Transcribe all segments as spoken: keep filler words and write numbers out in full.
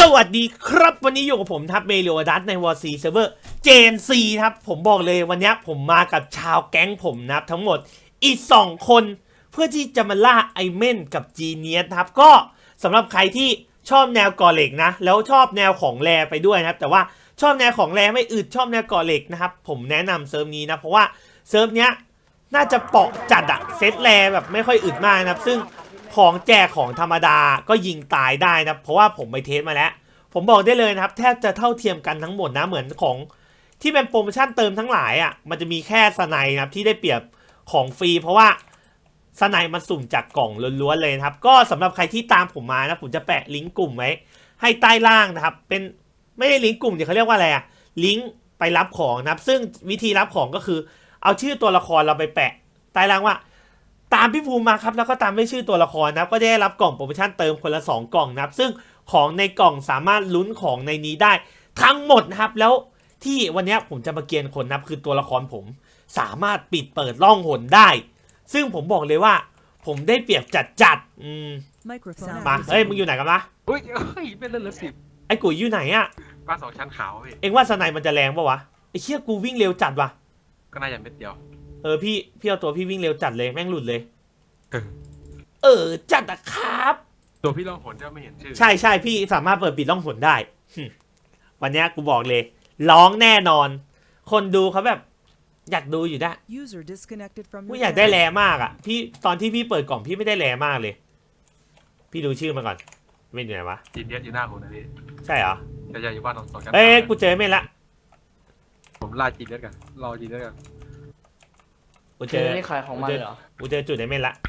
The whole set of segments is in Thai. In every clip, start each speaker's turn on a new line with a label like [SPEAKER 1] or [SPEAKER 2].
[SPEAKER 1] วัสดีครับวันนี้อยู่กับผมทับเมโลดัสในวอร์ซีเซิร์ฟเวอร์เจนซีครับผมบอกเลยวันนี้ผมมากับชาวแก๊งผมนะครับทั้งหมดอีกสองคนเพื่อที่จะมาล่าไอเมนกับจีเนียสครับก็สำหรับใครที่ชอบแนวก่อเหล็กนะแล้วชอบแนวของแรไปด้วยนะครับแต่ว่าชอบแนวของแรไม่อึดชอบแนวก่อเหล็กนะครับผมแนะนำเซิร์ฟนี้นะเพราะว่าเซิร์ฟเนี้ยน่าจะเปาะจัดอะเซตแรแบบไม่ค่อยอึดมากนะครับซึ่งของแจกของธรรมดาก็ยิงตายได้นะเพราะว่าผมไปเทสมาแล้วผมบอกได้เลยนะครับแทบจะเท่าเทียมกันทั้งหมดนะเหมือนของที่เป็นโปรโมชั่นเติมทั้งหลายอ่ะมันจะมีแค่สไนนะครับที่ได้เปรียบของฟรีเพราะว่าสไนมันสุ่มจากกล่องล้วนๆเลยนะครับก็สำหรับใครที่ตามผมมานะผมจะแปะลิงก์กลุ่มไว้ให้ใต้ล่างนะครับเป็นไม่ใช่ลิงก์กลุ่มเดี๋ยวเขาเรียกว่าอะไรอ่ะลิงก์ไปรับของนะครับซึ่งวิธีรับของก็คือเอาชื่อตัวละครเราไปแปะใต้ล่างว่าตามพี่ภูมิมาครับแล้วก็ตามด้วยชื่อตัวละครนะครับก็ได้รับกล่องโปรโมชั่นเติมคนละสองกล่องนะครับซึ่งของในกล่องสามารถลุ้นของในนี้ได้ทั้งหมดนะครับแล้วที่วันนี้ผมจะมาเกียนคนนะครับคือตัวละครผมสามารถปิดเปิดล่องหนได้ซึ่งผมบอกเลยว่าผมได้เปรียบจัดจัดอืมมาเฮ้ยมึงอยู่ไหนกันวะ
[SPEAKER 2] เฮ้ยเฮ้ยเป็นเรื่องละสิบ
[SPEAKER 1] ไอ้กุ๋ยอยู่ไหนอะ
[SPEAKER 2] บ้านสองชั้นขาวพี่
[SPEAKER 1] เอ็งว่าสไนมันจะแรงปะวะไอ้เชี่ยกูวิ่งเร็วจัดวะ
[SPEAKER 2] ก็น่าจะเม็ดเดียว
[SPEAKER 1] เออพี่พี่เอาตัวพี่วิ่งเร็วจัดเลยแม่งหลุดเลย
[SPEAKER 2] เออ
[SPEAKER 1] เออจัดอะครับ
[SPEAKER 2] ตัวพี่ล่องหนจะไม่เห็นชื่อ
[SPEAKER 1] ใช่ใช่พี่สามารถเปิดปิดล่องหนได้วันนี้กูบอกเลยร้องแน่นอน คนดูเขาแบบอยากดูอยู่ได้กูอยากได้แรมากอ่ะพี่ตอนที่พี่เปิดกล่องพี่ไม่ได้แรมากเลยพี่ดูชื่อมาก่อนไม่อยู่ไหนวะ
[SPEAKER 2] จีเนียสอยู่หน้าผมนะพี่
[SPEAKER 1] ใช่เหรอ
[SPEAKER 2] จะจะอยู่บ้านสองสองชั้น
[SPEAKER 1] เอ้ยกูเจอเมนละ
[SPEAKER 2] ผมล่าจีเนียสกันรอจีเนียสกัน
[SPEAKER 1] กูเจ
[SPEAKER 3] เจ
[SPEAKER 1] อ
[SPEAKER 3] อนี่ขายของมันเหรอ
[SPEAKER 1] กูเจอจุดไอเมนละ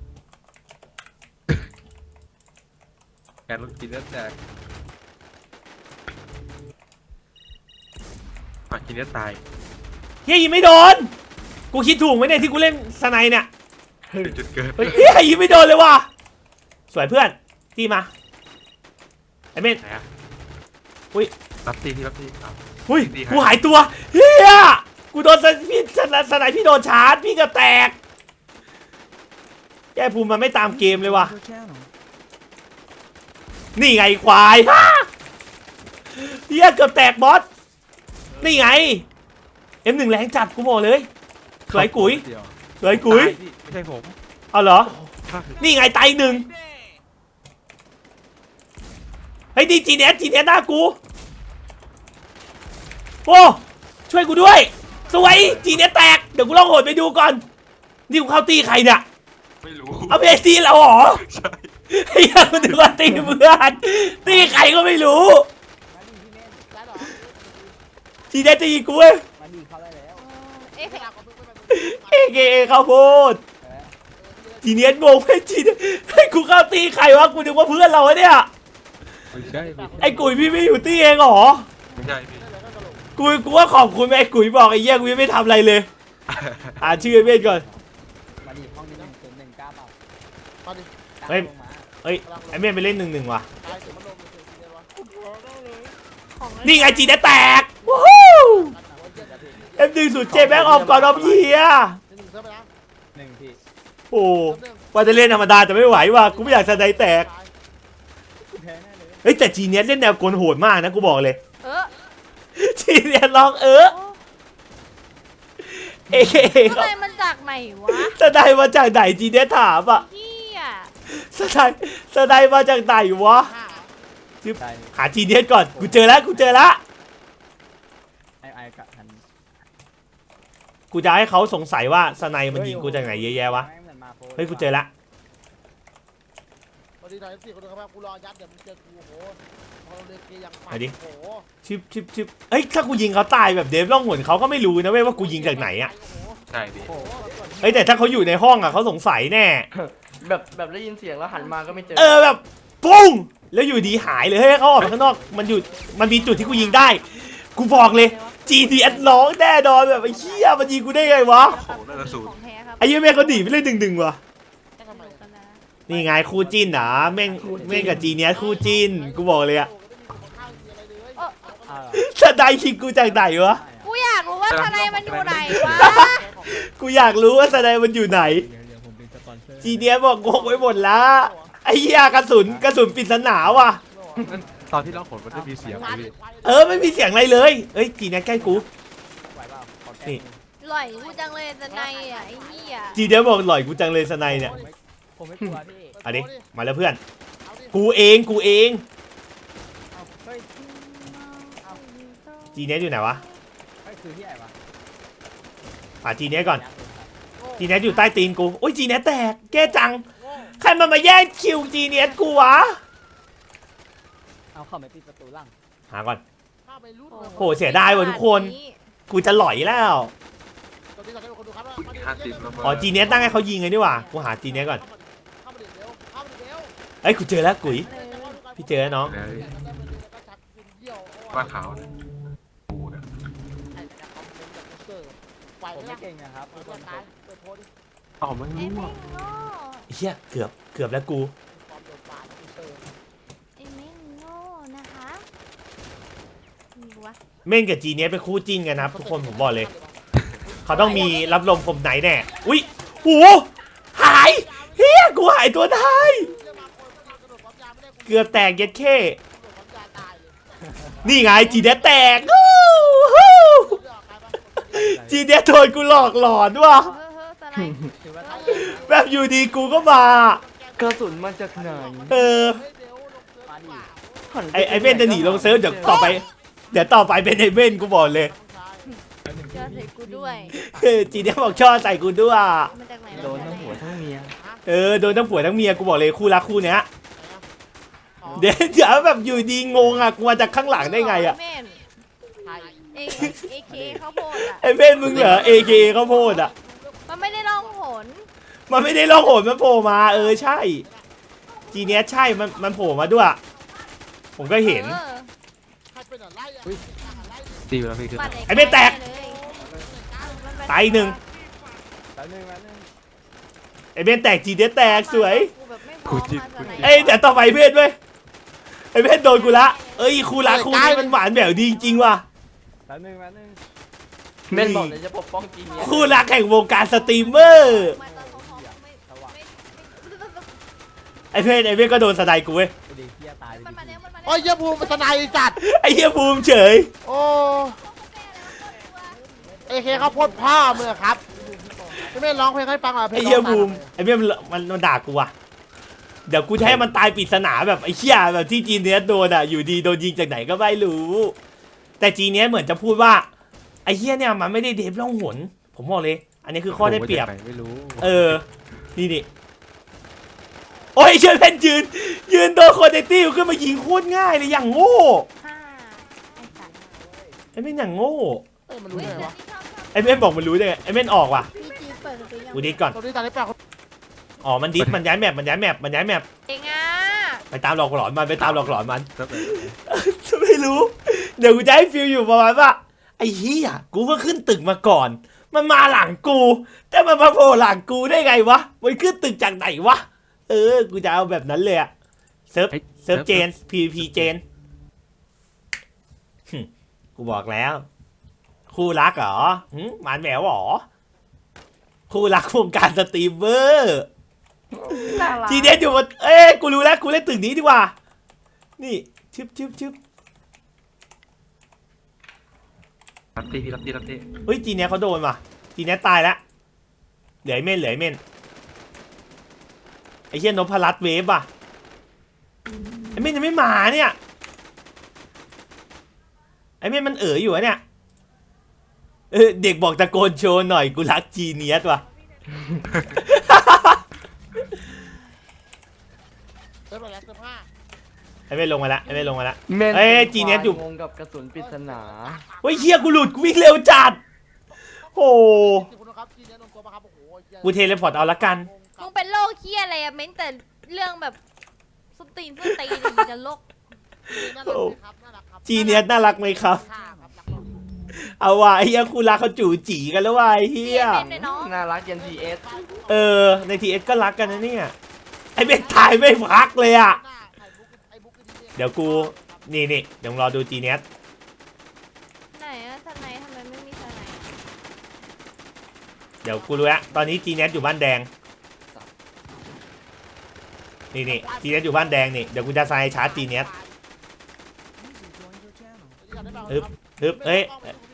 [SPEAKER 2] แกนรถจีเนียสแตกอ่ะจีเนียสตาย
[SPEAKER 1] เฮียยิงไม่โดนกูคิดถูกไหมเนี่ยที่กูเล่นสไนเนี่ย
[SPEAKER 2] เป็นจุดเกิด
[SPEAKER 1] เฮียยิงไม่โดนเลยว่ะสวยเพื่อนตีมาไอเมน
[SPEAKER 2] ไหนอ่ะ
[SPEAKER 1] อุ้ย
[SPEAKER 2] รับตีที่รับตีอ่ะ
[SPEAKER 1] อุ้ย
[SPEAKER 2] ดีครับ
[SPEAKER 1] กูหายตัวเฮียกูโดนสไนพี่สไนพี่โดนชาร์จพี่ก็แตกแกภูมิมันไม่ตามเกมเลยว่ะนี่ไงควายฮะเฮียเกือบแตกบอสนี่ไงเอ็มหนึ่งแรงจัดกูบอกเลยสวยกุ๋ยสวยกุ๋ย
[SPEAKER 2] ตาพี่ไม่ใช่ผม
[SPEAKER 1] เอาเหรอนี่ไงไตหนึ่งเฮ้ยดีจีเนสจีเนสหน้ากูโอ้ช่วยกูด้วยสวยจีเนสแตกเดี๋ยวกูลองโหดไปดูก่อนนี่กูเข้าตีใครเนี่ย
[SPEAKER 2] ไม่รู้
[SPEAKER 1] เอาเบสตีเราเหรอ
[SPEAKER 2] ใช่
[SPEAKER 1] ไอ้ยังมันถึงว่าตีเพื่อนตีใครก็ไม่รู้จีเนสจะยิงกูเว้ย
[SPEAKER 3] มาดีเขาได้แล้ว
[SPEAKER 4] เอ๊ะ
[SPEAKER 1] เอเกเอข้าวโพดจีเนสงงไอ้จีเนสให้กูเข้าตีใครวะกูนึกว่าเพื่อนเราเนี่ย
[SPEAKER 2] ไม่ใช่พี่
[SPEAKER 1] ไอ้กุ๋ยพี่ไม่อยู่ตีเองเหรอ
[SPEAKER 2] ไม่ใช่พี่
[SPEAKER 1] กูกูว่าขอบคุณไอ้กุ๋ยบอกไอ้เหี้ยกูยังไม่ทำอะไรเลยอ่านชื่อไอ้เมธก่อน
[SPEAKER 3] มาดีห้องนี้หนึ่งศูนย์หนึ่งเก้าเปล่า
[SPEAKER 5] มาดิ
[SPEAKER 1] เฮ้ย เอ้ยไอ้เมธไปเล่นหนึ่งหนึ่งว่ะ
[SPEAKER 5] ตายเสียมันลงเลยเสียมันวะ
[SPEAKER 4] ของ
[SPEAKER 1] นี่ไงจีได้แตกวู้ฮู้เอ็มดึงสุดเจแบ็กออฟก่อนออฟเยีย
[SPEAKER 5] หนึ่งเซิร์ฟไปนะ
[SPEAKER 3] หนึ่งพี่
[SPEAKER 1] โอ้ว่าจะเล่นธรรมดาแต่ไม่ไหวว่ะกูไม่อยากสไนแตก
[SPEAKER 3] แพ้แน่เลย
[SPEAKER 1] เฮ้ยแต่จีเนียสเล่นแนวโกนโหดมากนะกูบอกเลย
[SPEAKER 4] เออ
[SPEAKER 1] จีเนียสลองเออเอเค
[SPEAKER 4] ทำ
[SPEAKER 1] ครับ
[SPEAKER 4] ไมมันจากไหนวะ
[SPEAKER 1] สไนมาจากไหนจีเนียสถามอ่ะ
[SPEAKER 4] เฮีย
[SPEAKER 1] สไนสไนมาจากไหนวะ
[SPEAKER 5] ห้า
[SPEAKER 3] ได้
[SPEAKER 1] หาจีเนียสก่อนกูเจอแล้วกูเจอแล้ว
[SPEAKER 3] ไอไอกับทัน
[SPEAKER 1] กูจะให้เขาสงสัยว่าสไนมันยิงกูจากไหนเยอะแยะวะ
[SPEAKER 3] แม่งเหมือนมาโพส
[SPEAKER 1] เฮ้ยกูเจอละ
[SPEAKER 5] สวัสดีนายสี่คนนะครับกูรอยัดเดี๋ยวมึงเจอกูโอ้โหเราเลือกเกียร์อย่างปั
[SPEAKER 1] ไหนดิ
[SPEAKER 5] โอ้โห
[SPEAKER 1] ชิบชิบชิบเฮ้ยถ้ากูยิงเขาตายแบบเดฟล่องหนเขาก็ไม่รู้นะเว้ยว่ากูยิงจากไหนอ่ะ
[SPEAKER 2] ใช่พี่
[SPEAKER 3] โอ้โห
[SPEAKER 1] เฮ้ยแต่ถ้าเขาอยู่ในห้องอ่ะเขาสงสัยแน่
[SPEAKER 3] แบบแบบได้ยินเสียงแล้วหันมาก็ไม่เจอ
[SPEAKER 1] เออแบบปุ้งแล้วอยู่ดีหายเลยเฮ้ยเขาออกไปข้างนอกมันอยู่มันมีจุดที่กูยิงได้ กูบอกเลย จี ดี เอส ร้องแน่นอนแบบไอ้เหี้ยมันยิงกูได้ไงวะ
[SPEAKER 2] โอ้โหน่าจะสูตร
[SPEAKER 4] ของแท้ครับ
[SPEAKER 1] ไอ้เหี้ยแม่งเขาหนีไปเล่นดึงๆวะ
[SPEAKER 4] จะสนุกกันนะ
[SPEAKER 1] นี่ไงคู่จิ้นเหรอแม่งแม่งกับจีเนียสคู่จิ้นกูบอกเลยอะ
[SPEAKER 3] อ้าว
[SPEAKER 1] สไนคิงกูจากไหนวะ
[SPEAKER 4] กูอยากรู้ว่าทนายมันอยู่ไหนวะ
[SPEAKER 1] กูอยากรู้ว่าสไนมันอยู่ไหนจีเนียสบอกงงไว้หมดละไอ้เหี้ยกระสุนกระสุนปริศนาว่ะ
[SPEAKER 2] ตอนที่ร้องผลมันไม่มีเสียงเลยพี่
[SPEAKER 1] เออไม่มีเสียงอะไรเลยเอ้ยจีเนี้ยใกล้กู
[SPEAKER 3] ไหวเปล่าขอแก้
[SPEAKER 1] นี่
[SPEAKER 3] มือ
[SPEAKER 4] หล่อยกูจังเลยสไนอ่ะไอ้เหี้ย
[SPEAKER 1] จีเนี้ยบอกหล่อยกูจังเลยสไนเนี่ย
[SPEAKER 3] ผมไม่กลัวพี่
[SPEAKER 1] เอาดิมาแล้วเพื่อน
[SPEAKER 5] เอาดิ
[SPEAKER 1] กูเองกูเอง
[SPEAKER 3] เอาเฮ้ย
[SPEAKER 1] จีเนี้ยอยู่ไหนวะ
[SPEAKER 3] เฮ้ยคือที่ไหนวะ
[SPEAKER 1] ป่าจีเนี้ยก่อน
[SPEAKER 5] โง่
[SPEAKER 1] จีเนี้ยอยู่ใต้ตีนกูโอ้ยจีเนี้ยแตกแก้จัง
[SPEAKER 5] โง่
[SPEAKER 1] ใครมันมาแย่งคิวจีเนี้ยกูวะ
[SPEAKER 3] เอาเข้าไปปิดประตูหลัง
[SPEAKER 1] หาก่อน
[SPEAKER 5] ข้าไปรู้
[SPEAKER 1] โหเสียดายว่ะทุกคน กูจะหล่อยแล้ว
[SPEAKER 5] ตอนนี้ตอนนี้คนดูครับ
[SPEAKER 2] ห้าสิบแล้วมั้ง
[SPEAKER 1] อ๋อจีเนี้ยตั้งให้เขายิงเลยดีกว่ากูหาจีเนี้ยก่อน
[SPEAKER 5] เข้ามาดิเร็วเข้ามาดิเร็ว
[SPEAKER 1] เอ้ยกูเจอแล้วกุ๋ย พี่เจอแล้วน้อง
[SPEAKER 2] แล้ว
[SPEAKER 5] แล้วก็ชักกินเยี่ยว
[SPEAKER 2] ว่าขาวเนี่ยกูเนี่ย
[SPEAKER 5] ไอ้เนี่ยคอมเมนต์จากเซอร์ไหว
[SPEAKER 3] ผม
[SPEAKER 5] ไหม
[SPEAKER 3] ไม่
[SPEAKER 5] ล่ะ
[SPEAKER 3] เก่งนะครับ
[SPEAKER 5] เปิ
[SPEAKER 3] ทุ
[SPEAKER 5] ด
[SPEAKER 3] กค
[SPEAKER 5] ตัวน ตายเปิดโพสดิ
[SPEAKER 2] อ๋อไม่
[SPEAKER 4] ไอ้
[SPEAKER 2] รู้
[SPEAKER 4] แม่
[SPEAKER 2] อ่ะ
[SPEAKER 4] งโง่
[SPEAKER 1] เฮียเกือบเกือบแล้วกู
[SPEAKER 5] ความโดนปาดเซอร์
[SPEAKER 4] ไอ้แม่งโง่นะคะมีวะ
[SPEAKER 1] เม่นกับจีเนี้ยเป็นคู่จิ้นกันนะครับทุกคนผมบอกเลย เขาต้องมีรับลมผมไหนแน่อุ้ยโหหายเฮียกูหายตัวท้ายเกือบแตกเย็ดเข้นี่ไงจีเนี้ยแตกฮู้ฮู้จีเนี้ยโดนกูหลอกหลอนว่ะ
[SPEAKER 4] เฮ้ยเฮ้ยสไนด์
[SPEAKER 3] ถือว่า
[SPEAKER 1] แบบอยู่ดีกูก็มา
[SPEAKER 3] กระสุนมาจากไหน
[SPEAKER 1] เออ
[SPEAKER 3] มาดิ
[SPEAKER 1] ไอไอเม่นจะหนีลงเซิร์ฟเดี๋ยวต่อไป เดี๋ยวต่อไปเป็นไอเม่นกูบอกเลย
[SPEAKER 4] เจอใส่กูด้วย
[SPEAKER 1] เออจีเนี้ยบอกชอบใส่กูด้วย
[SPEAKER 4] มาจากไหน
[SPEAKER 3] โดนทั้งหัวทั้งเมีย
[SPEAKER 1] เออโดนทั้งผัวทั้งเมียกูบอกเลยคู่รักคู่เนี้ยเดี๋ยวเดี๋ยวแบบอยู่ดีงงอ่ะกูมาจากข้างหลังได้ไงอ่ะ
[SPEAKER 4] แม่นเอเอเคเขาโพดอ่ะ
[SPEAKER 1] ไอเม่นมึงเหรอเอเคเขาโพดอ่ะ
[SPEAKER 4] มันไม่ได้ร้องหน
[SPEAKER 1] มันไม่ได้ล่องหนมันโผล่มาเออใช่จีเนี้ยใช่มันมันโผล่มาด้วย ผมก็เห็น
[SPEAKER 4] ออ
[SPEAKER 5] ใครเป็นอะไรอ่ะ
[SPEAKER 2] ตีไปแล้วพี่คือ
[SPEAKER 4] ปัด
[SPEAKER 1] ไอ้ไม่แตก
[SPEAKER 4] เลยมันเป็น
[SPEAKER 1] ตายอีกหนึ่ง
[SPEAKER 3] แป๊บนึงแป๊บนึง
[SPEAKER 1] ไอเม่นแตกจีเนี้ยแตกสวย
[SPEAKER 4] กูแบบไม่พร้อมมาสไนด์
[SPEAKER 1] เอ้ยแต่ต่อไปเม่นเว้ยไอเม่นโดนกูละเอ้ยคู่รักคู่นี้มันหวานแบบดีจริงว่ะ
[SPEAKER 3] แป๊บนึงแป๊บนึง
[SPEAKER 1] นี่
[SPEAKER 3] เม่นบอกเลยจะปกป้องจีเนีย
[SPEAKER 1] คู่รักแห่งวงการสตรีมเมอร์
[SPEAKER 4] มาตอนเขาพร้อมไม่ไม่
[SPEAKER 1] ไอเม่นไอเม่นก็โดนสไนด์กูเว้ย
[SPEAKER 3] กูดีเฮียตาย
[SPEAKER 4] มันมาแล้วมันมาแล้ว
[SPEAKER 5] โอ้ยเยี่ยภูมิมันสนายจัด
[SPEAKER 1] ไอเฮียภูมิเฉย
[SPEAKER 5] โอ้เอเคเขาพ่นพ่อมือครับไม่ไม่ร้องเพลงให้ฟังหรอเพล
[SPEAKER 1] ไอง เฮียภูมิไอเม่นมันมันมันด่ากูว่ะเดี๋ยวกูจะให้มันตายปริศนาแบบไอ้เหี้ยแบบที่จีเนียสโดนอ่ะอยู่ดีโดนยิงจากไหนก็ไม่รู้ แต่จีเนียสเหมือนจะพูดว่าไอ้เหี้ยเนี่ยมันไม่ได้เดฟล่องหนผมบอกเลย อันนี้คือข้อได้เปรียบ
[SPEAKER 2] ไม่รู้
[SPEAKER 1] เออ นี่นี่โอ้ยเชิญเพนยืน ยืนโดนโคเนตี้ขึ้นมายิงโคตรง่ายเลยอย่างโง่
[SPEAKER 4] ห้าไอ้สัตว์
[SPEAKER 1] ไอ้เม่นอย่างโง่
[SPEAKER 5] เอ้ยมันรู้
[SPEAKER 4] เฮ้ย
[SPEAKER 5] ได้ไง
[SPEAKER 4] เดี๋ยว
[SPEAKER 5] วะ
[SPEAKER 4] นี้ชอบชอบ
[SPEAKER 1] ไอ้เม่นบอกมันรู้ได้ไงไอ้เม่นออกว่ะ
[SPEAKER 4] พี่จีเปิดประตูยัง
[SPEAKER 1] กูดิสก่อน
[SPEAKER 5] ตอนนี้ตอนนี้แปลก
[SPEAKER 1] อ๋อมันดิสมันย้ายแมปมันย้ายแมปมันย้ายแมป
[SPEAKER 4] เองอ่ะ
[SPEAKER 1] ไปตามหลอกหลอนมันไปตามหลอกหลอนมัน
[SPEAKER 2] ก็แบบ
[SPEAKER 1] ไม่รู้ เดี๋ยวกูจะให้ฟิลอยู่ประมาณว่าไอ้เหี้ยกูก็ขึ้นตึกมาก่อน มันมาหลังกู แต่มันมาโผล่หลังกูได้ไงวะมันขึ้นตึกจากไหนวะเออกูจะเอาแบบนั้นเลยอะเซิร์ฟเซิร์ฟเจน พี พี เจนหึกูบอกแล้ว คู่รักเหรอหึหมานแหววเหรอคู่รักวงการสตรีมเมอร์
[SPEAKER 4] น่ารัก
[SPEAKER 1] ทีเด็ดอยู่บนเอ้ยกูรู้แล้วกูเล่นตึกนี้ดีกว่า นี่ชึบชึบชึบ
[SPEAKER 2] รับตีพี่รับตีรับตี
[SPEAKER 1] เฮ้ยจีเนี้ยเขาโดนว่ะจีเนี้ยตายแล้วเหลือไอ้เม่นเหลือไอ้เม่นไอ้เหี้ยนพรัตน์เวฟว่ะไอ้เม่นยังไม่มาเนี่ยไอ้เม่นมันเอ๋ออยู่อะเนี่ยเออเด็กบอกตะโกนโชว์หน่อยกูรักจีเนียสว่ะ
[SPEAKER 5] เซิร์ฟอะไรเซิร์ฟห้า
[SPEAKER 1] ไอ้เม่นลงมาละไอ้เม่นลงมาละ
[SPEAKER 3] เม่น
[SPEAKER 1] เอ้ยจีเนียสอยู่
[SPEAKER 3] งงกับกระสุนปริศนา
[SPEAKER 1] เฮ้ยเฮียกูหลุดกูวิ่งเร็วจัดโอ้
[SPEAKER 5] สิบคนนะครับจีเนียลงตัวมาครับโอ้โห
[SPEAKER 1] กูเทเลพอร์ตเอาละกัน
[SPEAKER 4] มึงเป็นโรคเคี้ยอะไรอะเม้นแต่เรื่องแบบสตีนสตีนมึงจะโรค
[SPEAKER 5] น่ารักไหมครับน่ารักครับ
[SPEAKER 1] จีเนียสน่ารักไหมครับ
[SPEAKER 5] ค่ะครับรักเราดี
[SPEAKER 1] เอาว่ะไอ้เฮียคู่รักเขาจู่จีกันแล้วว่ะไอ้เฮี
[SPEAKER 4] เรีย
[SPEAKER 1] ย
[SPEAKER 4] นเป็นด้วยเนาะ
[SPEAKER 3] น่ารักยันทีเอส
[SPEAKER 1] เออในทีเอสก็รักกันนะเนี่ยไอ้เบนตายไม่พักเลยอ่ะ
[SPEAKER 5] หน้าไอ้บุ๊กไอ้บุ๊กดีๆ
[SPEAKER 1] เดี๋ยวกูนี่นี่เดี๋ยวรอดูจีเนียส
[SPEAKER 4] ไหนอะทนายทำไมไม่มีทนาย
[SPEAKER 1] เดี๋ยวกูรู้แล้วตอนนี้จีเนียสอยู่บ้านแดงนี่นี่จีเนียสอยู่บ้านแดงนี่เดี๋ยวกูจะใส่ชาร์จจีเนียสฮึบฮึบเอ้ย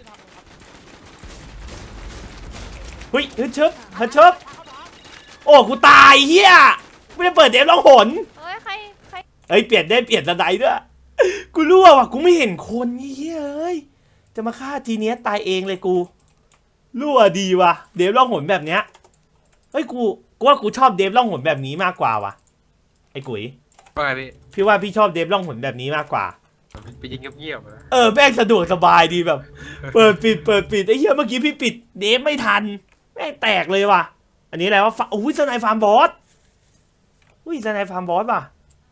[SPEAKER 1] เฮ้ยฮึดชึบฮึดชึบโอ้กูตายเฮียไม่ได้เปิดเดฟล่องหน
[SPEAKER 4] เฮ้ยใครใคร
[SPEAKER 1] เฮ้ยเปลี่ยนได้เปลี่ยนสไนด์ด้วยกูรั่วว่ะกูไม่เห็นคนเฮียเอ้ยจะมาฆ่าจีเนียสตายเองเลยกูรั่วดีว่ะเดฟล่องหนแบบเนี้ยเฮ้ยกูกูว่ากูชอบเดฟล่องหนแบบนี้มากกว่าว่ะไอ้กุ๋ย
[SPEAKER 2] ว่าไงพี่
[SPEAKER 1] พี่ว่าพี่ชอบเดฟล่องหนแบบนี้มากกว่า
[SPEAKER 2] ไปยิงเงียบๆนะ
[SPEAKER 1] เออแม่งสะดวกสบายดีแบบ เปิดปิดเปิดปิดไอ้เหี้ยเมื่อกี้พี่ปิดเดฟไม่ทันแม่งแตกเลยว่ะอันนี้อะไรวะฟาอุ้ยสไนฟาร์มบอสอุ้ยสไนฟาร์มบอสว่ะ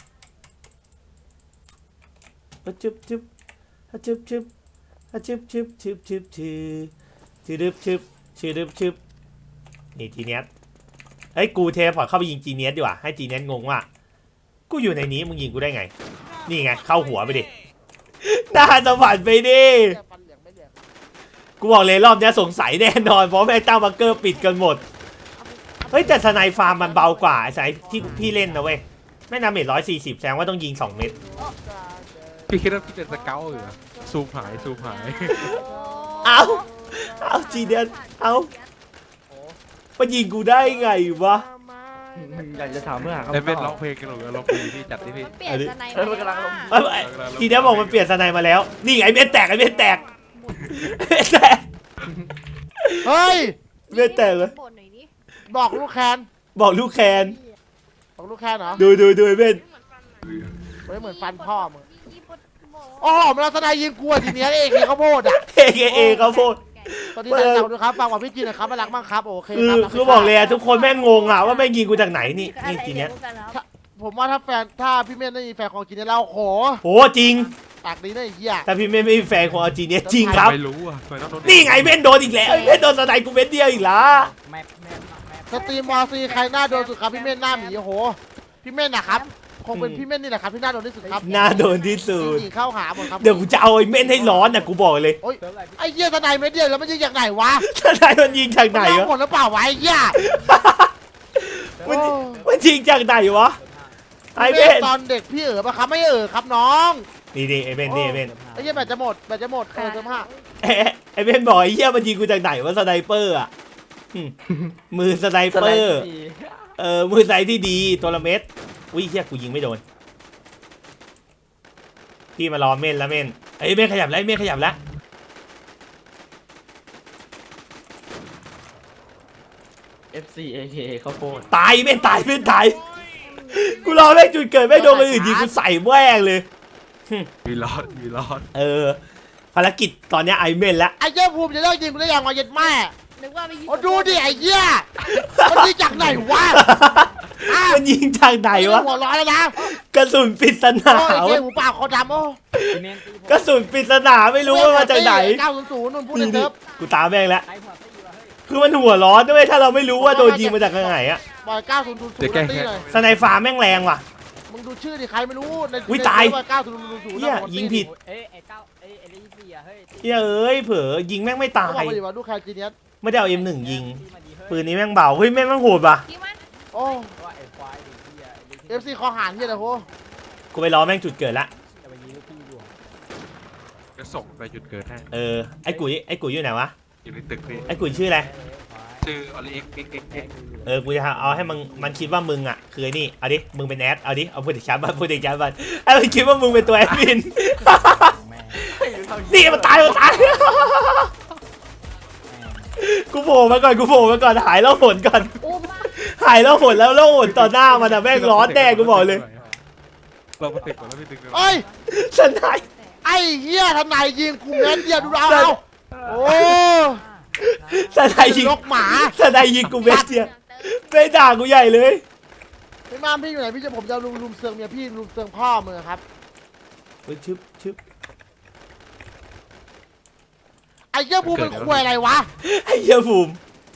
[SPEAKER 1] ฮึจึบจึบฮึจึบจึบฮึจึบจึบจึบจึบจึบจึบจึบจึบจึบจึบนี่จีเนียสเฮ้ยกูเทพอร์ตเข้าไปยิงจีเนียสดีกว่าให้จีเนียสงงว่ากูอยู่ในนี้มึงยิงกูได้ไงนี่ไงเข้าหัวไปดิหน้าสวรรค์ไปดิ
[SPEAKER 5] ฟันเหลืองไม่เหลือง
[SPEAKER 1] กูบอกเลยรอบนี้สงสัยแน่นอนเพราะแม่งตั้งบังเกอร์ปิดกันหมดเฮ้ยแต่สไนฟาร์มมันเบากว่าไอ้สไนที่พี่เล่นนะเว้ยแม่งดาเมจร้อยสี่สิบแสดงว่าต้องยิงสองเม็ด
[SPEAKER 2] พี่คิดว่าพี่เป็นสเกลเหรอซูมหายซูมหาย
[SPEAKER 1] เอาเอาจีเดียนเอามันยิงกูได้ไงวะ
[SPEAKER 3] อยากจะถามเมื่อหา
[SPEAKER 2] ไอ้
[SPEAKER 3] คำต
[SPEAKER 2] เม็ดร้
[SPEAKER 3] อ
[SPEAKER 2] อง
[SPEAKER 3] บ
[SPEAKER 2] เพลงกันหรอร้องเพลงพี่จัดที่พี่
[SPEAKER 4] เปลี่ยนสไน
[SPEAKER 3] เออมันกำลังลง
[SPEAKER 1] เอ้ยเอ้ยจีเดียนบอกมันเปลี่ยนสไนมาแล้วนี่ไงเม็ดแตกไอ้เม็ดแตกเม็ดแตก
[SPEAKER 5] เฮ้ย
[SPEAKER 1] เม็ดแตกเลย
[SPEAKER 4] บ่นหน่อยดิ
[SPEAKER 5] บอกลูกแคน
[SPEAKER 1] บอกลูกแคน
[SPEAKER 5] บอกลูกแคนเหรอ
[SPEAKER 1] ดูดูดูไอ้เม็ด
[SPEAKER 5] เฮ้ยเหมือนฟันพ่อมึง
[SPEAKER 4] ยี่ปวดหมอ
[SPEAKER 5] โอ้โหมันเอาสไนยิงกูอะทีเนี้ยเองเขาโพดอ่ะ
[SPEAKER 1] เอเอเอเขาพูด
[SPEAKER 5] ตอนนี้แต่เราดูครับฟังว่าพี่จีนนะครับมารักมากครับโอเค
[SPEAKER 1] คือ
[SPEAKER 5] ครับ
[SPEAKER 1] คือบอกเลยอะทุกคนแม่งงงอะว่าแม่งยิงกูจากไหนนี่นี่จีเนียส
[SPEAKER 5] ผมว่าถ้าแฟนถ้าพี่เม่นไม่มีแฟนของจีนเนี่ยเราโห
[SPEAKER 1] โหจริง
[SPEAKER 5] ปากดีนะไอ้เหี้ย
[SPEAKER 1] ถ้าพี่ไม่ไม่มีแฟนของเอาจีเนียสจริงครับ
[SPEAKER 2] ไม่รู้อ่ะทำไมต้องโดน
[SPEAKER 1] นี่ไงเม่นโดนอีกแล้วเม่นโดนสไนกูเม็ดเดียวอีกละ
[SPEAKER 3] แมปแมปแมป
[SPEAKER 5] สตรีมวอซีใครหน้าโดนสุดครับพี่เม่นหน้าหมีโอ้โหพี่เม่นนะครับคงเป็นพี่เม่นนี่แหละครับที่หน้าโดนที่สุดครับ
[SPEAKER 1] น่าโดนที่สุด
[SPEAKER 5] จริงๆเข้าหาหมดครับ
[SPEAKER 1] เดี๋ยวกูจะเอาไอ้เม่นให้ร้อนนะกูบอกเลย
[SPEAKER 5] โอ้ยไอ้เหี้ยสไนเม็ดเดียวแล้วมันยิงจากไหนวะ
[SPEAKER 1] สไนมันยิงจากไหน
[SPEAKER 5] มั
[SPEAKER 1] วะ
[SPEAKER 5] หมดหรือเปล่าวะไอ้เหี้ย
[SPEAKER 1] มันมันยิงจากไหนวะไอ้
[SPEAKER 5] ไอ้
[SPEAKER 1] เม่
[SPEAKER 5] เม่
[SPEAKER 1] น
[SPEAKER 5] ตอนเด็กพี่เอ๋อปะครับไม่เอ๋อครับน้อง
[SPEAKER 1] นี่นี่ไอ้เม่นนี่ไอ้เม่น
[SPEAKER 5] ไอ้เหี้ยแบตจะหมดแบตจะหมดเออเติมห้า
[SPEAKER 1] เอ๊ะไอ้เม่นบอกไอ้เหี้ยมันยิงกูจากไหนวะสไนเปอร์อะหึมือสไน
[SPEAKER 3] ส
[SPEAKER 1] เป
[SPEAKER 3] ไล
[SPEAKER 1] อ
[SPEAKER 3] ด์
[SPEAKER 1] ร์
[SPEAKER 3] ดี
[SPEAKER 1] เออมือสไนที่ดีตัวละเม็ดอุ้ยเหี้ยกูยิงไม่โดนพี่มารอเม่นแล้วเม่นไอ้ยเม่นขยับแล้วไอ้เม่นขยับแล้ว
[SPEAKER 3] เอฟซีเอเคข้าวโพด
[SPEAKER 1] ตายไม่ตายไม่ตายกูรอแม่งจุดเกิดไม่โดนคนอื่นยิงกูใส่แม่งเลย
[SPEAKER 2] มีรอดมีรอด
[SPEAKER 1] เออภารกิจตอนเนี้ยไอเมนละ
[SPEAKER 5] ไอ้เหี้ยภูมิจะเลิกยิงกูได้ยังวะเย็ดแม่
[SPEAKER 4] นึกว่าไม่ยิง
[SPEAKER 5] โอ้ดูดิไอ้เหี้ยมันยิงจากไหนวะ
[SPEAKER 1] มันยิงทางไหนวะ
[SPEAKER 5] หัวร้อนแล้วนะ
[SPEAKER 1] กระสุนปริศนา
[SPEAKER 5] โอ้ยไอ้เหี้
[SPEAKER 1] วะ
[SPEAKER 5] ยหูปากคอดำโอ้
[SPEAKER 3] ซีเมนตีผม
[SPEAKER 1] กระสุนปริศนาไม่รู้ว่ามาจากไหน
[SPEAKER 5] เก้าศูนย์ศูนย์นู่นพูดใน
[SPEAKER 1] นี่
[SPEAKER 5] เซิร์ฟ
[SPEAKER 1] กูตามแม่งแล้ว
[SPEAKER 3] ไอ้หัวตีวะเฮ้ย
[SPEAKER 1] คือมันหัวร้อนด้วยถ้าเราไม่รู้ว่าโดนยิงมาจากทางไหนอะ
[SPEAKER 5] บอยเก้าศูนย์ศูนย์ศูน
[SPEAKER 2] เดี๋ยว
[SPEAKER 5] ย์
[SPEAKER 2] แก้
[SPEAKER 5] ตี
[SPEAKER 2] แค้น
[SPEAKER 5] เลย
[SPEAKER 1] สไนฟ้าแม่งแรงว่ะ
[SPEAKER 5] มึงดูชื่อดิใครไม่รู้ใน
[SPEAKER 1] อุ๊ยตาย
[SPEAKER 5] เก้าศูนย์ศูนย์ศูนย์
[SPEAKER 1] เหี้ยยิงผิด
[SPEAKER 3] เอ้ยไอ้เก้าเอ้ยไอ้เลยี่สี่อะเฮ้ยตี
[SPEAKER 1] เหี้ยเอ้ยเผลอยิงแม่งไม่ตา
[SPEAKER 5] เขาบอก
[SPEAKER 1] ย
[SPEAKER 5] มาดิว่าดูใครจีเนียส
[SPEAKER 1] ไม่ได้เอาเอ็มหนึ่งยิง
[SPEAKER 3] ตีมาดีเฮ้ย
[SPEAKER 1] ปืนนี้แม่งเบาเฮ้ยแม่งแม่งโหดว่ะ
[SPEAKER 4] ยิงมัน
[SPEAKER 5] โอ้
[SPEAKER 3] ว่าไอ้ควายไอ้เหี้ยไอ้เลยี่
[SPEAKER 5] เอฟซีคอหานเหี้ยเลยโห
[SPEAKER 1] กูไปรอแม่งจุดเกิดละ
[SPEAKER 3] อย่าไปยิงลูกพี่ดวง
[SPEAKER 2] จะส่งไปจุดเกิดให้
[SPEAKER 1] เออไอ้กุ๋ยไอ้กุ๋ยอยู่ไหนวะ
[SPEAKER 2] อยู่ในตึกพี่
[SPEAKER 1] ไอ้กุ๋ยชื่ออะไร
[SPEAKER 2] ชื่ออลิเอ็กเอ็กเอ็กเอ็ก
[SPEAKER 1] เออ กูจะเอาให้มันมันคิดว่ามึงอ่ะ คือไอ้นี่ เอาดิ มึงเป็นแอด เอาดิ เอาพูดถึงชาร์บันพูดถึงชาร์บันไอ้มันคิดว่ามึงเป็นตัวแอดมิน
[SPEAKER 3] แม่
[SPEAKER 1] นี่มันตายมันตาย กูโผล่มาก่อน กูโผล่มาก่อน หายแล้วหนก่อน
[SPEAKER 4] อุ้มมา
[SPEAKER 1] หายแล้วหนแล้วแล้วหนต่อหน้ามันอะแม่งร้อนแน่กูบอกเลย
[SPEAKER 2] เรามาตึกก่อนแล้วพี่ตึก
[SPEAKER 5] เอ้ย
[SPEAKER 1] สนาย
[SPEAKER 5] ไอ้เหี้ยทนายยิงกูเม็ดเดียวดูเอาเอาโอ้
[SPEAKER 1] สนายยิง
[SPEAKER 5] ลกหมา
[SPEAKER 1] สนายยิงกูเม็ดเดียวไม่ด่ากูใหญ่เลย
[SPEAKER 5] พี่มามพี่อยู่ไหนพี่จะผมจะลุมลุมเซิงเมียพี่ลุมเซิงพ่อมือครับ
[SPEAKER 1] เฮ้ยชึบชึบ
[SPEAKER 5] ไอ้เหี้ยภูมิเป็นควยอะไรวะ
[SPEAKER 1] ไอ้เหี้ยภูมิ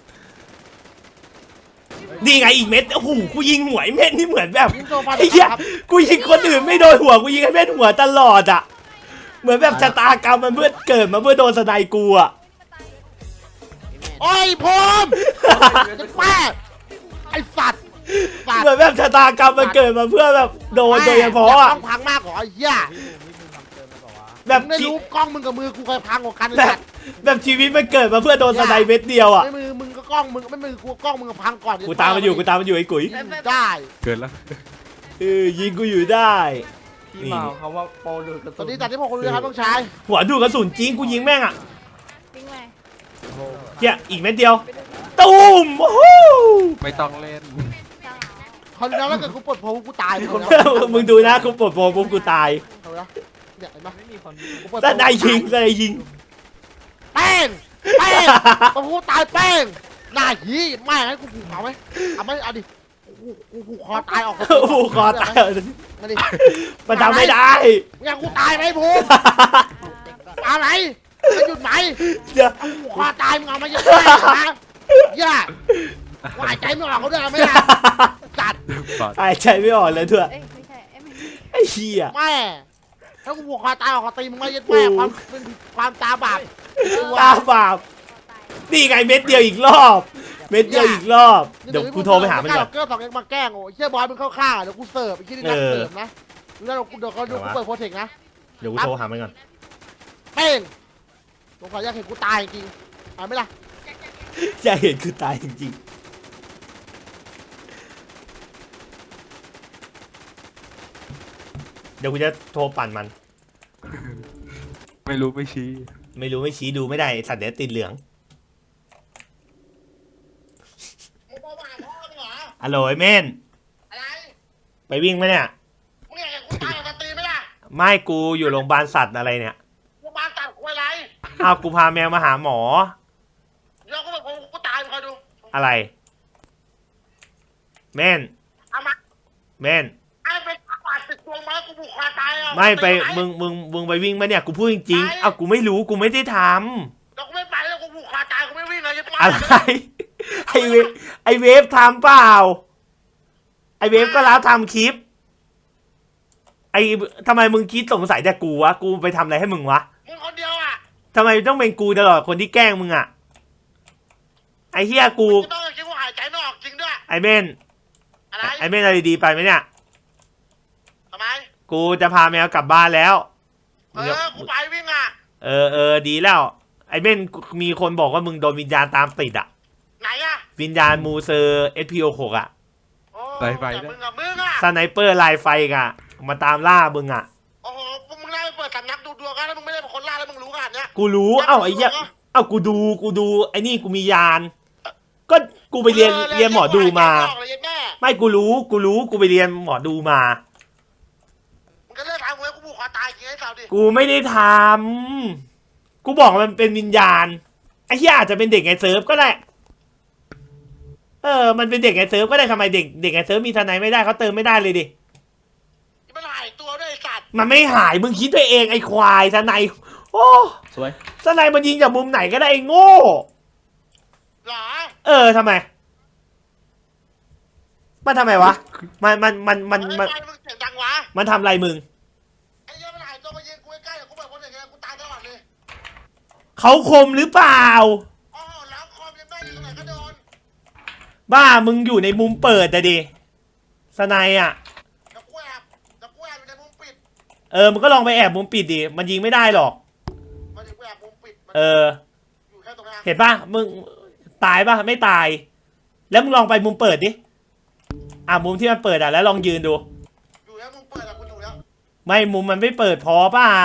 [SPEAKER 1] นี่ไงอีกเม็ด โอ้โห กูยิงหัวไอ้เม็ดนี่เหมือนแบบ
[SPEAKER 5] ยิงโซฟา
[SPEAKER 1] ไอ้เหี้ย
[SPEAKER 5] ครับ
[SPEAKER 1] กูยิงคนอื่นไม่โดนหัว กูยิงให้เม็ดหัวตลอดอ่ะ เหมือนแบบชะตากรรมมันเพื่อเกิดมาเพื่อโดนสไนกูอ่ะ
[SPEAKER 5] โอ้ยภูมิจะแม่ไอ้สัตว์สัตว์
[SPEAKER 1] เหมือนแบบชะตากรรมมันเกิดมาเพื่อแบบโดนโดยเฉพาะอ่ะ
[SPEAKER 5] ต้องพังมากกว่าไอ้เหี้ย
[SPEAKER 1] แบบ
[SPEAKER 5] มึงได้
[SPEAKER 1] ชี
[SPEAKER 5] รู้กล้องมึงกับมือกูใครพังกว่ากันไอ้
[SPEAKER 1] แบบ
[SPEAKER 5] สัตว์
[SPEAKER 1] แบบชีวิตมันเกิดมาเพื่อโดนสไนเม็ดเดียวอ่ะ
[SPEAKER 5] ไม่มือมึงก็กล้องมึงไม่มือกูกล้องมึงกับพังก่อน
[SPEAKER 1] กูตามมันอยู่กูตามมันอยู่ไอ้กุ๋ย
[SPEAKER 5] ยิงได้
[SPEAKER 2] เกินแล้ว
[SPEAKER 1] เออยิงกูอยู่ได้
[SPEAKER 3] ที่มาของเขาว่าโปรดูดกระ
[SPEAKER 5] ตอ
[SPEAKER 3] สุ
[SPEAKER 5] น
[SPEAKER 3] น
[SPEAKER 5] นี้จัดที่พวกคุณด้วยครับต้องใช้
[SPEAKER 1] หัวดูดกระสุนจริงกูยิงแม่งอ่ะ
[SPEAKER 4] ปิ้งไง
[SPEAKER 1] เฮียอีกเม็ดเดียวตูมโอ้โห
[SPEAKER 2] ไม่ต้องเล่น
[SPEAKER 5] คราวนี้แล้วถ้าเกิดกูปลดโพลกูตาย
[SPEAKER 1] มึงดูนะกูปลดโปรปุ๊บกูตาย
[SPEAKER 5] เอาละเนี่ยเห็นปะ
[SPEAKER 3] ไม่มีคน
[SPEAKER 5] กูปลด
[SPEAKER 1] สไนยิงสไนยิง
[SPEAKER 5] แป้งแป้งปลดโพลตายแป้งหน้าหีแม่ให้กูผูกเอาไหมเอาไหมเอาดิกูกูผูกคอตายออก
[SPEAKER 1] โอ้โหคอตาย
[SPEAKER 5] มาดิ
[SPEAKER 1] มันทำไม่ได้
[SPEAKER 5] มึงอยากกูตายไหมภูมิมาไหนจะหยุดไหม
[SPEAKER 1] เดี๋ยว
[SPEAKER 5] ผูกคอตายมึงเอามาเยอะแม่นะย่าหายใจไม่ออกเขาด้วยไม่ได้จัด
[SPEAKER 2] บอด
[SPEAKER 1] หายใจไม่ออกเลยเถอะ
[SPEAKER 4] เอ้ยไม่ใช่เอ้ยไม่
[SPEAKER 1] ไอ้เหี้ย
[SPEAKER 5] แม่ถ้ากูผูกคอตายออกคอตีมึงไม่ยัดแม่ความเป็นความตาบาป
[SPEAKER 1] ตาบาปนี่ไงเม็ดเดียวอีกรอบ เม็ดเดียวอีกรอบ เดี๋ยวกูโทรไปหามันก่อน
[SPEAKER 5] เกอร์สองเอ็กมาแกล้งโอ้ยเชี่ยบอยมึงเข้าข้างเดี๋ยวกูเสิร์ฟไอ้ที่นี่นักเสิร์ฟนะแล้วเราเดี๋ยวเขาดูกูเปิดโปรเทคนะ
[SPEAKER 1] เดี๋ยวกูโทรหามันก่อน
[SPEAKER 5] เป้งผมขออยากเห็นกูตายจริงเอาไหมล่ะ
[SPEAKER 1] จะเห็นคือตายจริงๆเดี๋ยวกูจะโทรปั่นมัน
[SPEAKER 2] ไม่รู้ไม่ชี้
[SPEAKER 1] ไม่รู้ไม่ชี้ดูไม่ได้สัตว์เดี๋ยวติดเหลือง
[SPEAKER 5] มึงบ้าพ่อมึงเหรอ
[SPEAKER 1] อะโหลไอ้เมน
[SPEAKER 5] อะไร
[SPEAKER 1] ไปวิ่งไหมเนี่ย
[SPEAKER 5] มึงอยากเห็นกูตายออกมาตีไหมล่ะ
[SPEAKER 1] ไม่กูอยู่โรงพยาบาลสัตว์อะไรเนี่ย
[SPEAKER 5] กูมาตัดกูอะไร
[SPEAKER 1] อ้าวกูพาแมวมาหาหมอ
[SPEAKER 5] แล้วกูแบบกูตายมึงคอยดู
[SPEAKER 1] อะไรเมน
[SPEAKER 5] เอามา
[SPEAKER 1] เมน
[SPEAKER 5] ไอ้เป็นปาดติดตัวมากูผูกคอตายอ่ะ
[SPEAKER 1] ไม่ไปมึงมึงมึงไปวิ่งไหมเนี่ยกูพูดจริงๆอ้าวกูไม่รู้กูไม่ได้ทำ
[SPEAKER 5] แล้วกูไม่ไปแล้วกูผูกคอตายกูไม่วิ่งเลยยัดมา
[SPEAKER 1] อะไร ไอเวฟไอเวฟทำเปล่า ไอเวฟก็รับทำคลิป ไอทำไมมึงคิดสงสัยแต่กูวะ กูไปทำอะไรให้มึงวะ
[SPEAKER 5] มึงคนเดียวอ่ะ
[SPEAKER 1] ทำไมต้องเป็นกูตลอดคนที่แกล้งมึงอะไอเฮียกู
[SPEAKER 5] กูต้องคิดว่าหายใจไม่ออกจริงด้วย
[SPEAKER 1] ไอเมน
[SPEAKER 5] อะไร
[SPEAKER 1] ไอเมนอะไรดีๆไปไหมเนี่ย
[SPEAKER 5] ทำไม
[SPEAKER 1] กูจะพาแมวกลับบ้านแล้ว
[SPEAKER 5] เออกูไปวิ่งอ่ะ
[SPEAKER 1] เออเออดีแล้ว ไอเมนมีคนบอกว่ามึงโดนวิญญาณตามติดอะ
[SPEAKER 5] ไหนอ่ะ
[SPEAKER 1] วิญญาณมูเซอร์ เอส พี โอ หกอะ
[SPEAKER 5] โอ้แต่มึงกับมึงอ่ะ
[SPEAKER 1] สไนเปอร์ลายไฟกะมาตามล่ามึงอะ
[SPEAKER 5] โอ้โหมึงได้เปิดสำนักดูดวงกันแล้วมึงไม่ได้เป็นคนล่าแล้วมึงรู้ขนาดเนี้ย
[SPEAKER 1] กูรู้ เอ้าไอ้เหี้ย เอ้ากูดูกูดูไอ้นี่กูมียาน ก็กูไปเรียนเรียนหมอดูมา ไม่กูรู้กูรู้กูไปเรียนหมอดูมา
[SPEAKER 5] มึงก็เลิกทำเว้ยกูผูกคอตายจริงไอ้สาวดิ
[SPEAKER 1] กูไม่ได้ทำกูบอกมันเป็นวิญญาณไอ้เหี้ยอาจจะเป็นเด็กไงเซิร์ฟก็ได้ เออ มันเป็นเด็กไงเซิร์ฟก็ได้ทำไมเด็กเด็กไงเซิร์ฟมีทนายไม่ได้เขาเติมไม่ได้เลยดิ
[SPEAKER 5] มันหายตัวด้วยไอ้สัตว์
[SPEAKER 1] มันไม่หายมึงคิดไปเองไอ้ควายทนายโอ้
[SPEAKER 3] สวย
[SPEAKER 1] ทนายมันยิงจากมุมไหนก็ได้ไอ้โง่
[SPEAKER 5] หรอ
[SPEAKER 1] เออทำไม มันทำไมวะ มันมันมันมันมัน
[SPEAKER 5] ไอ้ไฟมึงเสียงดังวะ
[SPEAKER 1] มันทำอะไรมึง
[SPEAKER 5] ไอ้เหี้ยมันหายตัวมายิงกูใกล้ๆเดี๋ยวกูแบบคนอย่างเงี้ยกูตายตลอดเลย
[SPEAKER 1] เขาคมหรือเปล่า
[SPEAKER 5] โอ้โหแล้วคอมยังได้อยู่ตรงไหนก็โดน
[SPEAKER 1] บ้ามึงอยู่ในมุมเปิดแต่ดิสไนยอ่ะ
[SPEAKER 5] แล้วกูแอบแล้วกูแอบอยู่ในมุมปิด
[SPEAKER 1] เออมันก็ลองไปแอบมุมปิดดิ มันยิงไม่ได้หรอก
[SPEAKER 5] มันอยู่แอบมุมปิดมัน
[SPEAKER 1] เออ
[SPEAKER 5] อยู่แค่ตรงนั้น
[SPEAKER 1] เห็นป่ะ มึงตายป่ะ ไม่ตาย แล้วมึงลองไปมุมเปิดดิ อ่ะมุมที่มันเปิดอ่ะแล้วลองยืนดู
[SPEAKER 5] อยู่แค่มุมเปิดอะกูอยู่แล้ว
[SPEAKER 1] ไม่มุมมันไม่เปิดพอเปล่า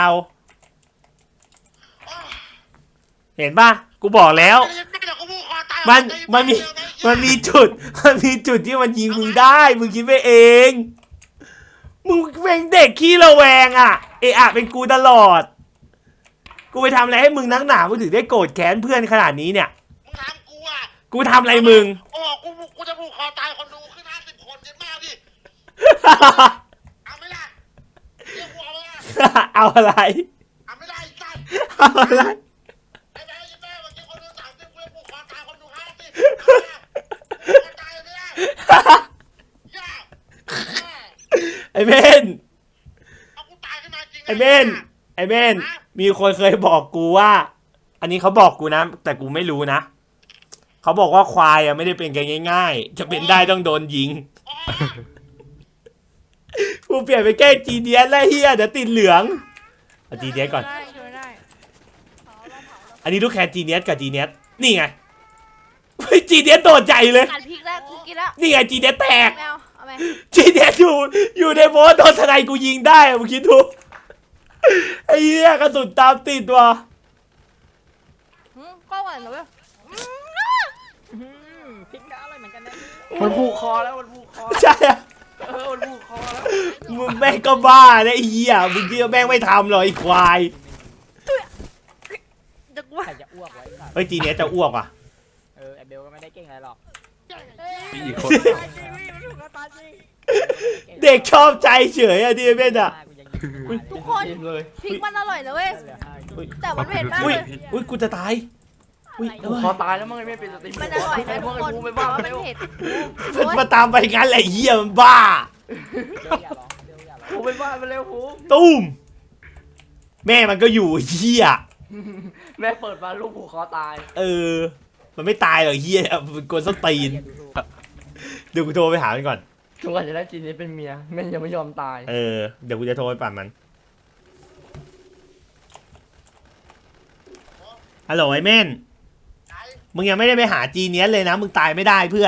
[SPEAKER 5] อ้าว
[SPEAKER 1] เห็นป่ะ กูบอกแล้ว
[SPEAKER 5] ไอ้เหี้ยเดี๋ยวกูผูกคอตาย
[SPEAKER 1] มัน
[SPEAKER 5] ไอ้
[SPEAKER 1] มันมี
[SPEAKER 5] เหี้ย
[SPEAKER 1] มันมีจุด มันมีจุดที่มันยิงมึงได้ มึงคิดไปเอง มึงเป็นเด็กขี้ระแวงอ่ะ เอะอะเป็นกูตลอด กูไปทำอะไรให้มึงนักหนามึงถึงได้โกรธแค้นเพื่อนขนาดนี้เนี่ย
[SPEAKER 5] มึงถามกูอะ
[SPEAKER 1] กูทำอะไรมึง
[SPEAKER 5] โอ้กูกูจะผูกคอตายคนดูขึ้นห้าสิบคนเย็นมากดิ เอาไม่ได้เรียกกูเอาไม่ได้
[SPEAKER 1] เอาอะไร
[SPEAKER 5] เอาไม่ได้ไอ้สัตว์
[SPEAKER 1] เอาอะไร
[SPEAKER 5] ไอ้แม่ไอ้แม่เมื่อกี้คนดูสามสิบกูจะผูกคอตายคนดูห้าสิบเอาไม่ได้ผูกคอตายไม่ได้ย่า
[SPEAKER 1] ไอเมน
[SPEAKER 5] เอากูตายขึ้นมาจริง
[SPEAKER 1] ไอเมน ไอเมน มีคนเคยบอกกูว่า อันนี้เขาบอกกูนะ แต่กูไม่รู้นะ เขาบอกว่าควายอ่ะไม่ได้เป็นกันง่ายๆ จะเป็นได้ต้องโดนยิง
[SPEAKER 5] อ๋อ
[SPEAKER 1] กูเปลี่ยนไปแก้จีเดียนแล้วเฮียเดี๋ยวติดเหลืองเอาจีเนียสก่อน
[SPEAKER 4] ได้ช่วยได้
[SPEAKER 1] อันนี้ลูกแคนจีเนียสกับจีเนียสนี่ไงเฮ้ยจีเนียสโดดใจเลย
[SPEAKER 4] กัดพริกแล้วกูกินแล้ว
[SPEAKER 1] นี่ไงจีเนียสแตก
[SPEAKER 4] ไม่เอาเอาไหม
[SPEAKER 1] จีเนียสอยู่อยู่ในโบสโดนทนายกูยิงได้อะมึงคิดดูไอ้เหี้ยกระสุนตามติดว่ะ
[SPEAKER 4] หืมก็หวานเลย
[SPEAKER 3] พริกก็อร่อยเหมือนกันนะมันผูกคอแล้วมันผูกคอ
[SPEAKER 1] ใช่อะ
[SPEAKER 3] เออมันผูกคอแล้ว
[SPEAKER 1] มึงแม่งก็บ้านะไอ้เหี้ยมึงเชื่อแม่งไม่ทำหรอกไอ้ควาย
[SPEAKER 4] จะว่า
[SPEAKER 3] ใครจะอ้วกไว้สัตว์
[SPEAKER 1] เฮ้ยจีเนียสจะอ้วกว่ะ
[SPEAKER 3] เออไอเบลก็ไม่ได้เก่งอะไรหรอก
[SPEAKER 2] มีอีกคน
[SPEAKER 1] เด็กชอบใจเฉยอะดิเบนอะ
[SPEAKER 4] ทุกคนพริกมันอร่อยนะเว้ยแต่มันเผ็ดมาก
[SPEAKER 1] อุ้ย
[SPEAKER 4] เลย
[SPEAKER 1] อุ้ยกูจะตายอุ้ย
[SPEAKER 3] ผูกคอตายแล้วมึงไม่เป็นสตรีม
[SPEAKER 4] มันอร่อยนะ
[SPEAKER 3] ไอ้พ
[SPEAKER 4] ทุ
[SPEAKER 3] ว
[SPEAKER 4] ก
[SPEAKER 3] กไอ้
[SPEAKER 4] คน
[SPEAKER 3] ภูไม่
[SPEAKER 4] แต่
[SPEAKER 3] บ้า
[SPEAKER 4] ว่า
[SPEAKER 3] ไม่
[SPEAKER 4] มัน
[SPEAKER 3] บ้า
[SPEAKER 4] เผ็ด
[SPEAKER 1] มันมาตามไปงั้นแหละไอ้เหี้ยมันบ้า
[SPEAKER 3] ภูไปบ้านไปเร็วภู
[SPEAKER 1] ตุ้มแม่มันก็อยู่ไอ้เหี้ย
[SPEAKER 3] แม่เปิดมาลูกผูกคอตาย
[SPEAKER 1] เออ มันไม่ตายหรอกไอ้เหี้ยมันกวนส้นตีนเดี๋ยวกูโทรไปหามันก่อน
[SPEAKER 3] ทุกวันจะได้จีนนี้เป็นเมียแม่ยังไม่ยอมตาย
[SPEAKER 1] เออเดี๋ยวกูจะโทรไปปั่นมันฮัลโหลไอ้เม่นมึงยังไม่ได้ไปหาจีเนียสเลยนะมึงตายไม่ได้เพื่อน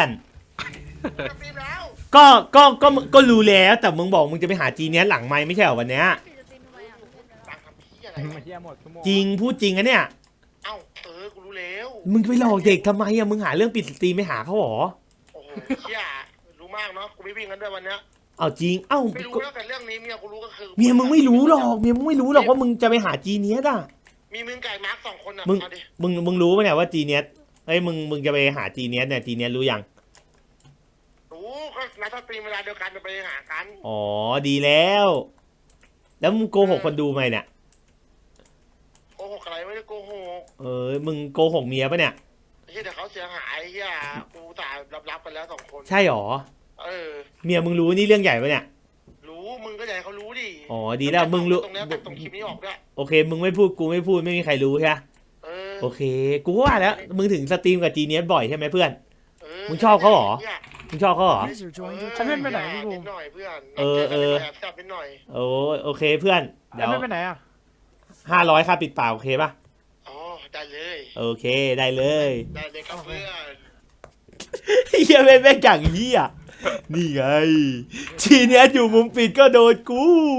[SPEAKER 1] ก็ก็ก็ก็รู้แล้วแต่มึงบอกมึงจะไปหาจีเนียสหลังไม้ไม่ใช่เหรอวันเนี้ย
[SPEAKER 6] ตังค์ทำพี่อะไร
[SPEAKER 3] มาเที่ยหมดชั่วโมง
[SPEAKER 1] จริงพูดจริงอะเนี่ย
[SPEAKER 6] เอ้าเออกูรู้แล้ว
[SPEAKER 1] มึงไปหลอกเด็กทำไมอะมึงหาเรื่องปิดสตรีมไม่หาเขาหรอ
[SPEAKER 6] โอ้โหเชี่ยรู้มากเนาะกูไม่วิ่งกันด้วยวันเนี้ย
[SPEAKER 1] เอาจริงเอ้า
[SPEAKER 6] ไม่รู้แล้วแต่เรื่องนี้เมียกูรู้ก็คือ
[SPEAKER 1] เมียมึงไม่รู้หรอกเมียมึงไม่รู้หรอกว่ามึงจะไปหาจีเนียสอะ
[SPEAKER 6] มีมึงไก่มาร์กสองคนอ่ะ
[SPEAKER 1] มึง
[SPEAKER 6] มาดิ
[SPEAKER 1] มึงมึงรู้ปะเนี่ยว่าจีเนียสเอ้ยมึงมึงจะไปหาจีเนียสเนี่ยจีเนียสรู้ยัง
[SPEAKER 6] รู้ก็นัดสตรีมเวลาเดียวกันจะไปหากัน
[SPEAKER 1] อ๋อดีแล้ว แล้วมึงโกหกคนดูไหมเนี่ย
[SPEAKER 6] โกหกอะไรไม่ได้โกหก
[SPEAKER 1] เออมึงโกหกเมียปะเนี่ย
[SPEAKER 6] ไอ้เหี้ยเดี๋ยวเขาเสียหายเฮียกูตายรับรับๆกันแล้วสองคน
[SPEAKER 1] ใช่หรอ
[SPEAKER 6] เออ
[SPEAKER 1] เมียมึงรู้นี่เรื่องใหญ่ปะเนี่ย
[SPEAKER 6] รู้มึงก็อยากให้เขารู้ดิ
[SPEAKER 1] อ๋อดีแล้วมึงรู้
[SPEAKER 6] ตรงเนี้ยตัดตรงคลิปนี้ออกด้วย
[SPEAKER 1] โอเค มึงไม่พูดกูไม่พูดไม่มีใครรู้ใช่ไหม
[SPEAKER 6] เออ
[SPEAKER 1] โอเค กูก็ว่าแล้วมึงถึงสตรีมกับจีเนียสบ่อยใช่ไหมเพื่อน
[SPEAKER 6] เอ
[SPEAKER 1] มึงชอบเขาเหรอ
[SPEAKER 6] นี่ย
[SPEAKER 1] มึงชอบเขาเหรอ
[SPEAKER 3] ฉันไม่ไปไหนพี่ภู
[SPEAKER 6] นิดหน่อยเพื่อน
[SPEAKER 1] เออเออ
[SPEAKER 6] แอบแซ่บนิดหน่อย
[SPEAKER 1] โอ้โอเคเพื่อนเดี๋ยว
[SPEAKER 3] ไม่ไปไหนอ่ะ
[SPEAKER 1] ห้าร้อยค่าปิดปากโอเคปะ
[SPEAKER 6] อ๋อได้เลย
[SPEAKER 1] โอเคได้เลย
[SPEAKER 6] ได้เลยครับเพื่อน
[SPEAKER 1] เฮียแม่งแม่งอย่างเฮียนี่ไงจีเนียสอยู่มุมปิดก็โดนกู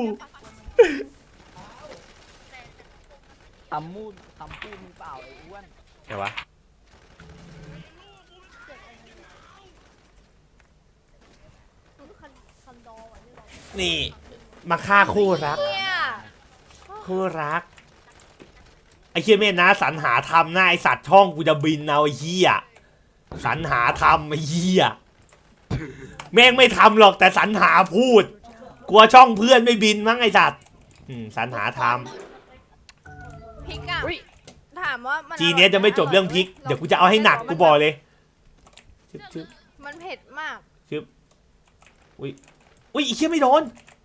[SPEAKER 3] ทำมูดทำพูดมึงเปล่าไอ้อ้วน
[SPEAKER 1] ไงวะนี่มาฆ่าคู่รัก
[SPEAKER 4] เนี่ย
[SPEAKER 1] คู่รักไอ้เฮียเม่นนะสรรหาทำหน้าไอสัตว์ช่องกูจะบินเอาไอ้เฮียสรรหาทำไอ้เฮียแม่งไม่ทำหรอกแต่สรรหาพูด กลัวช่องเพื่อนไม่บินมั้งไอสัตว์อืมสรรหาท
[SPEAKER 4] พริกอ่ะถามว่ามัน
[SPEAKER 1] ำจีเนี้ยจะไม่จบเรื่องพริกเดี๋ยวกูจะเอาให้หนักกูบอกเลยชึบชึบ
[SPEAKER 4] มันเผ็ดมาก
[SPEAKER 1] อุ้ยอุ้ยอีเชี่ยไม่โดน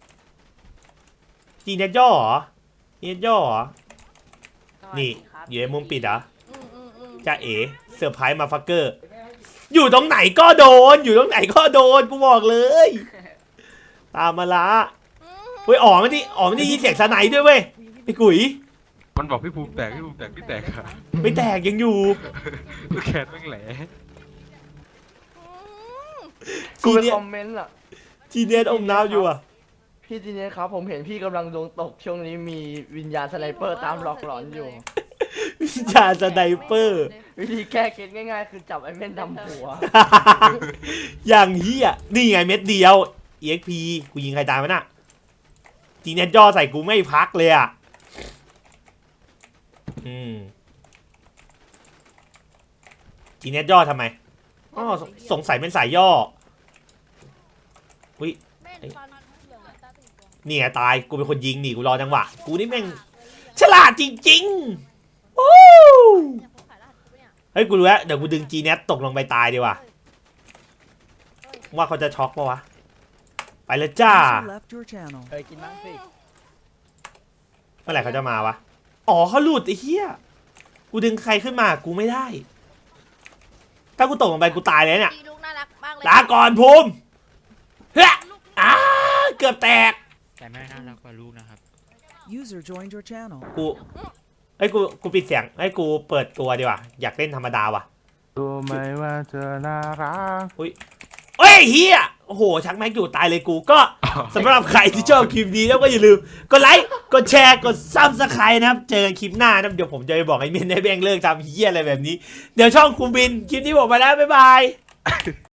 [SPEAKER 1] จีเนียย่อเหรอจีเนียย่อเหรอนี่อยู่ในมุมปิดเหรอ
[SPEAKER 4] อืมอืมอืม
[SPEAKER 1] จ้าเอ๋เซอร์ไพรส์มาฟักเกอร์ อยู่ตรงไหนก็โดน อยู่ตรงไหนก็โดนกูบอกเลย ตามมาละ
[SPEAKER 4] อืม
[SPEAKER 1] เฮ้ยอ๋อไม่ได้อ๋อไม่ได้ยินเสียงสไนด์ด้วยเว้ยไอ้กุ๋ย
[SPEAKER 2] มันบอกพี่ภูมิแตกพี่ภูมิแตกพี่แตกค่ะ
[SPEAKER 1] ไม่แตกยังอยู่
[SPEAKER 2] ลูกแคนแม่งแหล
[SPEAKER 3] กู
[SPEAKER 1] จี
[SPEAKER 3] ไป
[SPEAKER 1] เนีย
[SPEAKER 3] คอมเมนต์อ่ะ
[SPEAKER 1] จีเนียอมน้ำอยู่อ่ะ
[SPEAKER 3] พี่จีเนียครับผมเห็นพี่กำลังดวงตกช่วงนี้มีวิญญาณสไนเปอร์ตามหลอกหลอนอยู่
[SPEAKER 1] วิชาสไนเปอร์
[SPEAKER 3] วิธีแก้เคล็ดง่ายๆ คือจับไอ้เม่นดำหัว
[SPEAKER 1] อย่างเฮียนี่ไงเม็ดเดียว อี เอ็กซ์ พี กูยิงใครตายมันอ่ะจีเนียย่อใส่กูไม่พักเลยอ่ะอืมจีเนียย่อทำไมอ๋อสสงสัยเป็นสายย่อ อุ้ย
[SPEAKER 4] แม่นฟันเหลืองตาตีตัว
[SPEAKER 1] นี่ไงตายกูเป็นคนยิงนี่กูรอจังหวะกูนี่แม่งฉลาดจริงๆโอ้
[SPEAKER 4] เนี่ยเขาขายรหัสกูเนี่ย
[SPEAKER 1] เฮ้ยกูรู้แล้วเดี๋ยวกูดึงจีเน็ตตกลงไปตายดีกว่าว่าเขาจะช็อกปะวะไปแล้วจ้า
[SPEAKER 7] left your channel.
[SPEAKER 3] เคยกินบ้างสิ
[SPEAKER 1] เมื่อไหร่เขาจะมาวะอ๋อเขาหลุดไอ้เหี้ยกูดึงใครขึ้นมากูไม่ได้ ถ้ากูตกลงไปกูตายเลยเนี่ย
[SPEAKER 4] จีลูกน่ารักมากเลย
[SPEAKER 1] ลาก่อนภูมิเฮ้ยอ้าเกือบแตก
[SPEAKER 8] แต่แม่น่ารักกว่าลูกนะครับ
[SPEAKER 7] User joined your channel.
[SPEAKER 1] กูไอ้ยกูกูปิดเสียงไอ้ยกูเปิดตัวดีกว่าอยากเล่นธรรมดาว่ะ
[SPEAKER 2] รู้ไหมว่าเธอน่ารัก
[SPEAKER 1] เอ้ยเฮียโอ้โหชักแม็กอยู่ตายเลยกูก็สำหรับใครที่ชอบคลิปนี้แล้วก็อย่าลืมกดไลค์กดแชร์กดซับสไครต์นะครับเจอกันคลิปหน้านะครับเดี๋ยวผมจะไปบอกไอ้เมนให้แบงเลิกทำเฮียอะไรแบบนี้เดี๋ยวช่องคุมบินคลิปนี้ผมไปแล้วบ๊ายบาย